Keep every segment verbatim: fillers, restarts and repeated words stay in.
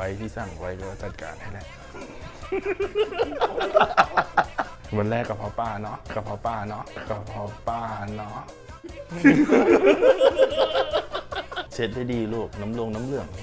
ว้ที่สั่งไว้ก็จัดการให้แหละวันแรกกับพ่อป้าเนาะกับพ่อป้าเนาะกับพ่อป้าเนาะเช็ดให้ดีลูกน้ำลงน้ำเหลือง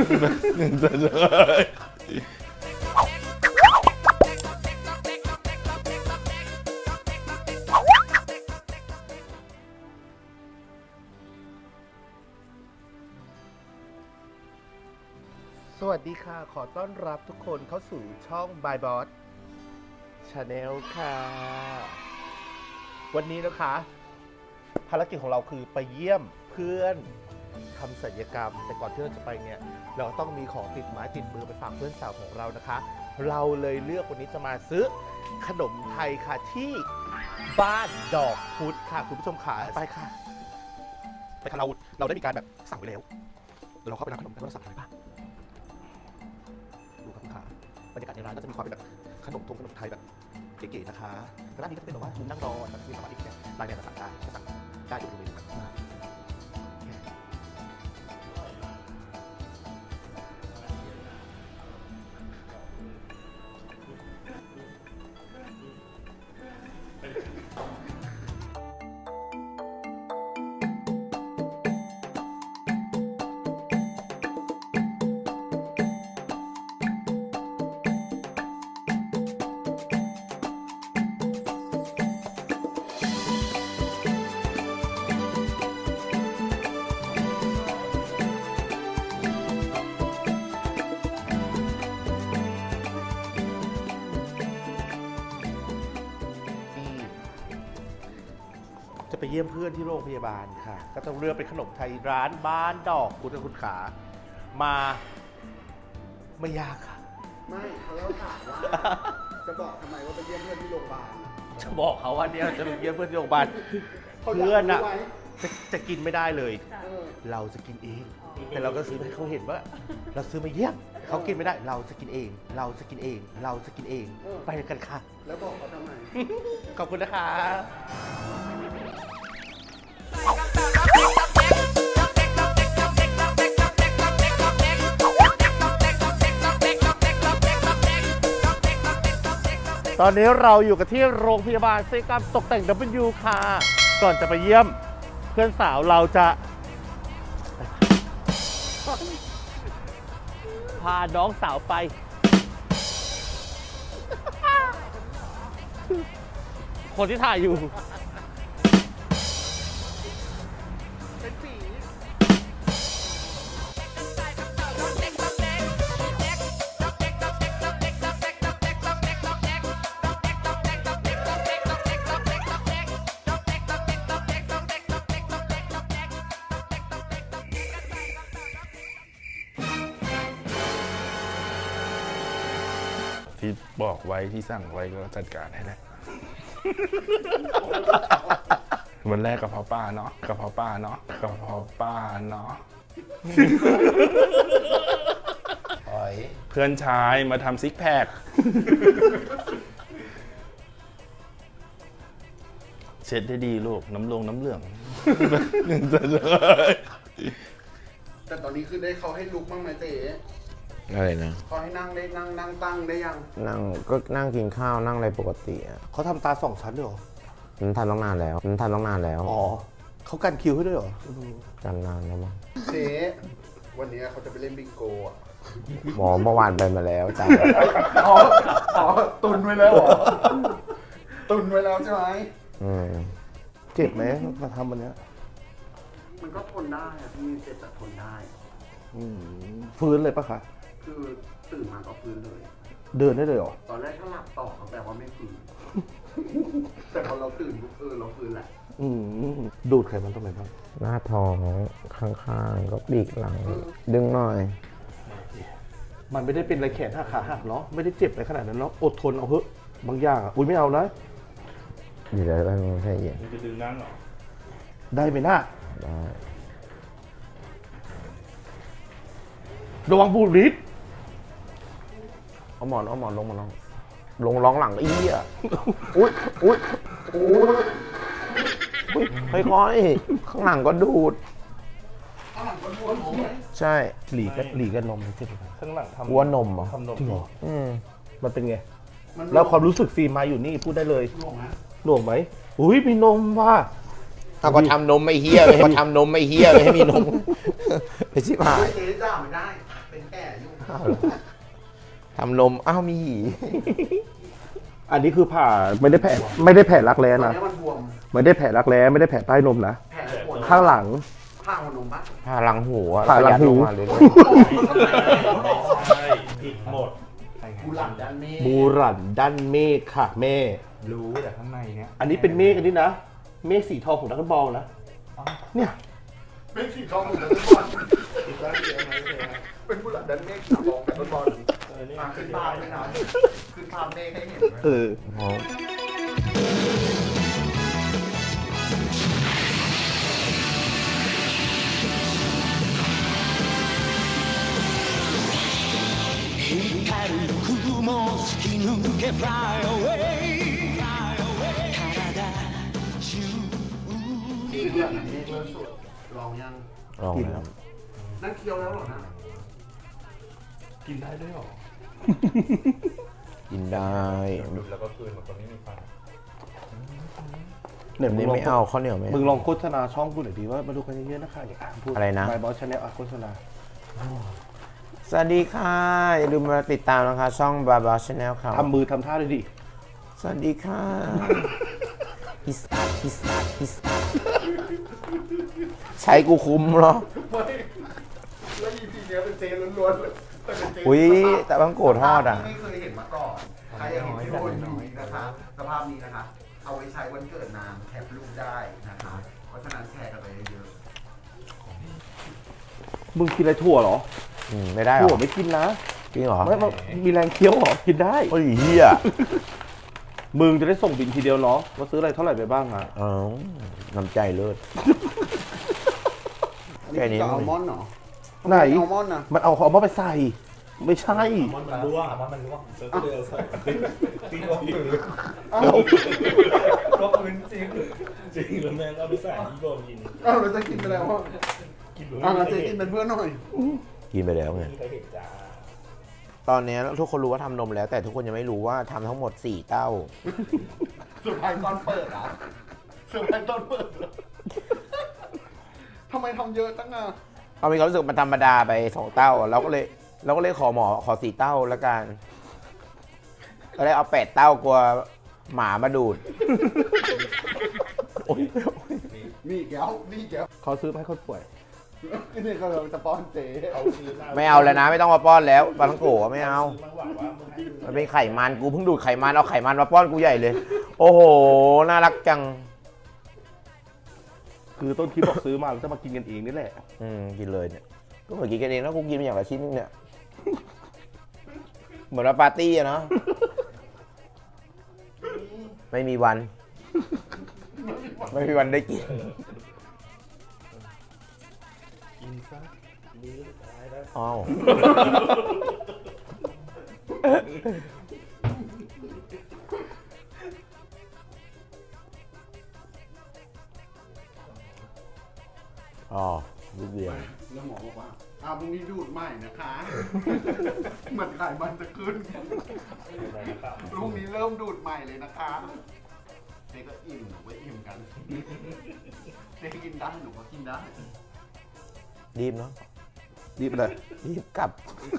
สวัสดีค่ะขอต้อนรับทุกคนเข้าสู่ช่อง By Boss Channel ค่ะวันนี้นะคะภารกิจของเราคือไปเยี่ยมเพื่อนทำศัลยกรรมแต่ก่อนที่เราจะไปเนี่ยเราต้องมีของติดไม้ติดมือไปฝากเพื่อนสาวของเรานะคะเราเลยเลือกวันนี้จะมาซื้อขนมไทยค่ะที่บ้านดอกพุธค่ะคุณผู้ชมขาไปค่ะไปค่ะเราเราได้มีการแบบสั่งไปแล้วเราเข้าไปร้านขนมกันว่าเราสั่งอะไรบ้างดูครับคุณขาบรรยากาศในร้านก็จะมีความเป็นแบบขนมทงขนมไทยแบบเก๋ๆนะคะร้านนี้ก็จะเป็นแบบว่ามุมนั่งรอแบบที่สามารถที่จะไลน์แมนมาสั่งได้สั่งได้อยู่บริเวณนั้นจะไปเยี่ยมเพื่อนที่โรงพยาบาลค่ะก็ต้องเลือกเป็นขนมไทยร้านบ้านดอกคุณคุณขามาไม่ยากค่ะไม่เขาเล่าถามว่าจะบอกทำไมว่าไปเยี่ยมเพื่อนที่โรงพยาบาลจะบอกเขาว่าเนี่ยจะไปเยี่ยมเพื่อนที่โรงพยาบาลเพื่อนอะจะจะกินไม่ได้เลยเราจะกินเองแต่เราก็ซื้อให้เขาเห็นว่าเราซื้อมาเยี่ยมเขากินไม่ได้เราจะกินเอง เราจะกินเอง เราจะกินเองไปกันค่ะแล้วบอกเขาทำไมขอบคุณนะคะตอนนี้เราอยู่กันที่โรงพยาบาลศัลยกรรมตกแต่ง ดับเบิลยู ค่ะ ก่อนจะไปเยี่ยมเพื่อนสาวเราจะพาน้องสาวไปคนที่ถ่ายอยู่เป็นผีที่บอกไว้ที่สั่งไว้ก็จัดการให้แหละวันแรกกับพ่อป้าเนาะกับพ่อป้าเนาะกับพ่อป้าเนาะเพื่อนชายมาทำซิกแพคเช็ดให้ดีลูกน้ำลงน้ำเหลืองแต่ตอนนี้คือได้เขาให้ลุกบ้างไหมเจ๊อะไรนะเขาให้นั่งได้นั่งนั่งตั้งได้ยังนั่งก็นั่งกินข้าวนั่งอะไรปกติอ่ะเขาทำตาสองชั้นด้วยเหรอมันทำตั้งนานแล้วมันทำตั้งนานแล้วอ๋อเขากันคิวให้ด้วยเหรอกันนานแล้วมั้งเจ๊วันนี้เขาจะไปเล่นบิงโกอ่ะหมอเมื่อวานไปมาแล้วจ้ะอ๋ออ๋อตุนไว้แล้วเหรอตุนไว้แล้วใช่ไหมอืมเจ็บไหมมาทำวันนี้มันก็ทนได้อะพี่เจ็บแต่ทนได้ฟื้นเลยปะคะคือตื่นมาก็ฟื้นเลยเดินได้เลยเหรอตอนแรกถ้าหลับต่อเขาแปลว่าไม่ฟื้นแต่พอเราตื่นปุ๊บเออเราฟื้นแหละดูดไขมันตรงไหนบ้างหน้าท้องข้างๆก็ปีกหลังดึงหน่อยมันไม่ได้เป็นอะไรแขนหักขาหักเนาะไม่ได้เจ็บอะไรขนาดนั้นเนาะอดทนเอาเถอะบางอย่างอุ้ยไม่เอานะเดี๋ยวได้ไม่ใช่เย็นจะดึงนั่งหรอได้ไหมหน้าได้ระวังบูดริดเอาหมอนเอาหมอนลงมาลองลงร้องหลังอีอ่ะอุ้ยอุ้ยอุ้ยค่อยๆข้างหลังก็ดูดข้างหลังใช่หลีกันหลีกันนมใช่ไหมข้างหลังทำวัวนมเหรอทำนมจริงเหรออืมมันเป็นไงมันแล้วความรู้สึกฟิล์มมาอยู่นี่พูดได้เลยหน่วงนะหน่วงไหมอุ้ยมีนมว่ะเอาก็ทำนมไม่เฮี้ยเลยก็ทำนมไม่เฮี้ยเลยให้มีนมไปชิบหายเจ๊ด่าไม่ได้ เป็นแก่ยุ่งทำนมอ้าวมีหีอันนี้คือผ่าไม่ได้แผลไม่ได้แผลรักแร้ตอนนะนี้มันบวมไม่ได้แผลรักแร้ไม่ได้แผลใต้นมนะแผลปวดข้างหลังข้างหัวนมปะผ่าหลังหูอะผ่าหลังหูแล้วก็ยัดมาเลยใช่ผิดหมดกูหลังด้านเมฆบูรันด้านเมฆค่ะแม่รู้แต่ข้างในเนี้ยอันนี้เป็นเมฆอันนี้นะ เมฆสีทองของดักบอลนะ เนี่ยเป็นสีทองเหมือนกันทุกคนอีกแล้วเดียวไหมเลยเป็นผู้หลังด้านเมฆสีทองแบบบอลเออนี่มาขึ้นภาพไม่นานขึ้นภาพเมฆให้เห็นไหมเอออ๋อ光る雲突き抜け Fly away Fly away 体中ที่ผู้หลังด้านเมฆเริ่มสุดลองยังลองแล้วนั่นเคี้ยวแล้วเหรอนะกินได้ด้วยเหรอกินได้ดูแล้วก็คืนแบบคนไม่มีฟันเนี่ยอันมึนี้งลองไม่เอาข้าวเหนียวไหมมึงลองโฆษณาช่องกูหน่อยดีว่ามาดูกันเยอะๆนะคะอย่าพูดอะไรนะบายบอสชาแนลโฆษณาสวัสดีค่ะ อย่าลืมมาติดตามนะคะ ช่องบาบาชาแนลครับทำมือทำท่าเลยดิสวัสดีค่ะพิสตาพิสตาพิสตาใช้กูคุ้มเหรอไม่แล้ว อี พี เนี้ยเป็นเจล้วนๆเลยแต่เป็นเจอุ้ยแต่บางโกรธทอดอ่ะไม่เคยเห็นมาก่อน ใครอยากเห็นที่โดนอยู่นะคะสภาพนี้นะคะ เอาไว้ใช้วันเกิดนางแคปรูปได้นะคะ เพราะฉะนั้นแชร์กันไปเยอะมึงกินอะไรถั่วเหรออืมไม่ได้เหรถั่วอไม่กินนะจริงเหรอไม่ไม่มีแรงเคี้ยวเหรอกินได้โอ้ยเฮียมึงจะได้ส่งบินทีเดียวเนาะว่าซื้ออะไรเท่าไหร่ไปบ้างอ่ะอ๋อน้ำใจเลิศๆแค่นี้อัอัลมอนด์เหรอไหนอัลมอนด์นะมันเอาเอามาไปใส่ ไม่ใช่มันมันร่วงมันมันร่วงแล้วก็เลยเอาใส่ตีร่วงอยู่เอ้าก็พื้นจริงจริงแล้วแม่งเอาไปใส่ที่โบกินเอ้าเราจะกินไปแล้วว่ากินอ่ะเราจะกินเป็นเพื่อนหน่อยกินไปแล้วไงใครเห็นจ้าตอนนี้ทุกคนรู้ว่าทำนมแล้ว แต่ทุกคนยังไม่รู้ว่าทำทั้งหมดสี่เต้าสุดท้ายตอนเปิดอ่ะสุดท้ายตอนเปิดเหรอทำไมทำเยอะจังอ่ะเอามีความรู้สึกมันธรรมดาไปสองเต้าเราก็เลยเราก็เลยขอหมอขอสี่เต้าแล้วกันก็เลยเอาแปดเต้ากลัวหมามาดูดโอ๊ยนี่แก้วนี่แก้วเขาซื้อมาให้คนป่วยนี่ก็เราจะป้อนเจ๊เขาซื้อมาไม่เอาแล้วนะ ไม่ต้องมาป้อนแล้วปลาทังโกะไม่เอาซื้อมาหวังว่ามึงให้ดูมันเป็นไขมันกูเพิ่งดูดไขมันเอาไขมันมาป้อนกูใหญ่เลย โอ้โหน่ารักจังคือต้นคลิปบอกซื้อมาแล้วจะมากินกันเองนี่แหละอืมกินเลยเนี่ยก็เหมือนกินกันเองแล้วกูกินเป็นอย่างละชิ้นนึงเนี่ยเหมือนว่าปาร์ตี้อะเนาะไม่มีวัน ไม่มีวันได้กินกินซะดีตายแล้วอ้าวอ๋อลูกเดียวแล้วหมอบอกว่าอ้าวพรุ่งนี้ดูดใหม่นะคะเหมือนไขมันจะขึ้นพรุ่งนี้เริ่มดูดใหม่เลยนะคะเจ๊ก็อิ่มหนูก็อิ่มกันเจ๊กินได้หนูก็กินได้รีบเนาะรีบไปเลยรีบกลับ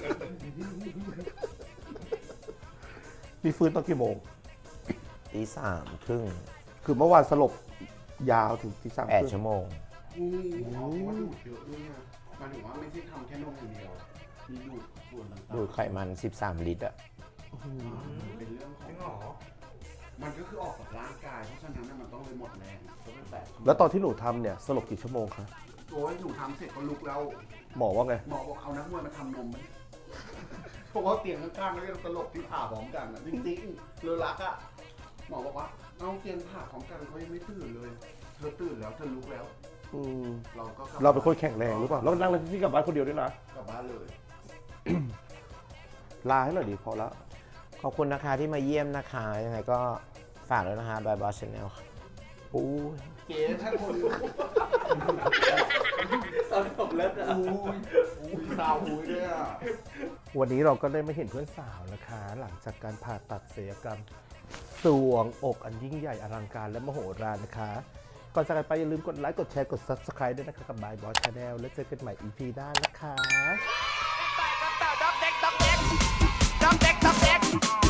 นี่ฟื้นตอนกี่โมงตีสามครึ่งคือเมื่อวานสลบยาวถึงที่สามแปดชั่วโมงอืมอ๋อว่าดูดเยอะด้วยนะหมายถึงว่าไม่ใช่ทำแค่นมอย่างเดียว มีดูดส่วนต่างๆดูดไขมันสิบสามลิตรอะเป็นเรื่องของจริงเหรอมันก็คือออกจากร่างกาย เพราะฉะนั้นน่ะมันต้องเลยหมดแรงก็เป็นแบบแล้วตอนที่หนูทำเนี่ยสลบกี่ชั่วโมงคะโอ้ยหนูทำเสร็จก็ลุกแล้วหมอว่าไงหมอบอกเอานักมวยมาทำนมไหมเพราะว่าเตียงข้างๆแล้วยังตลบที่ผ่าพร้อมกันอ่ะจริงๆเลยรักอ่ะหมอบอกว่าเอาเตียงผ่าพร้อมกันเขายังไม่ตื่นเลยเธอตื่นแล้วเธอลุกแล้วอืมเราก็กลับเราเป็นคนแข็งแรงหรือเปล่าแล้วนั่งที่กลับบ้านคนเดียวด้วยนะกลับบ้านเลยลาให้หน่อยดิพอละขอบคุณนะคะที่มาเยี่ยมนะคะ ยังไงก็ฝากด้วยนะคะบายบายชาแนลโอ้ยเจ๊ถ้าคนตอนผมเลิกอะอุ้ยสาวอุ้ยด้วยอ่ะวันนี้เราก็ได้มาเห็นเพื่อนสาวนะคะ หลังจากการผ่าตัดศัลยกรรมสวงอกอันยิ่งใหญ่อลังการและมโหฬารนะคะ ก่อนจากกันไปอย่าลืมกดไลค์กดแชร์กด ซับสไครบ์ ด้วยนะคะกับบายบอสชาแนลแล้วเจอกันใหม่ อี พี หน้านะคะ Dog deck, dog deck, dog deck.